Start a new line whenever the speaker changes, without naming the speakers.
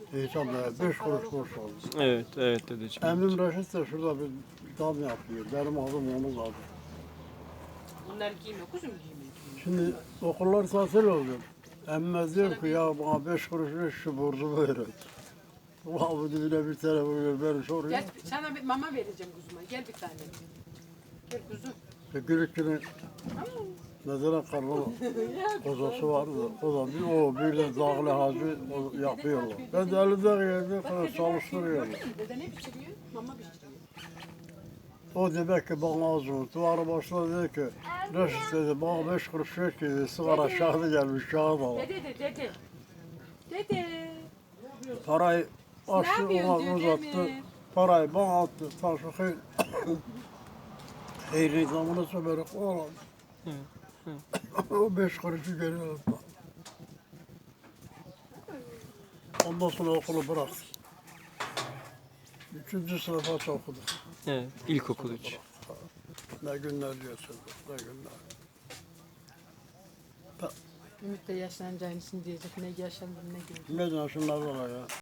İnsan da 5 kuruş boş oldu.
Evet, evet dedeciğim.
Emrim Reşit de şurada bir dam yapıyor. Benim adım onun adı.
Bunlar giymiyor, kuzum giymiyor.
Şimdi okullar tatil oldu. Emme diyor ki ya bana 5 kuruş ver şu borcumu ver. Ulan bu dibine bir telefon vermiş oraya.
Gel, sana bir mama vereceğim kuzuma. Gel bir tane. Gel kuzum.
Gülük günü mesela karnı kozası vardı. O da bir de dağlı hacı yapıyorlar. Ben de elinde yerde çalıştırıyorum.
Dede ne pişiriyor? Mama pişiriyor.
O demek ki bana az unuttu. Ara başladı dedi ki Reşit dedi bana 5 kuruş ver ki dedi, sigara şahı gelmiş kağıt al.
Dede. Dede.
Parayı açtı
Ne yapıyorsun
ona
diyor,
uzattı.
değil mi?
Parayı bana attı. Taşı hayır zamını sömerek oğlan. O 5 kuruşu geri aldı. Ondan sonra okulu bıraktı. 3. sınıfa okuduk.
Evet, ilkokul 3.
Ne günler geçirdik, ne günler.
Ümit de yaşlanacağını diyecek. Ne yaşandı ne gördü.
Ne şunlar var ya.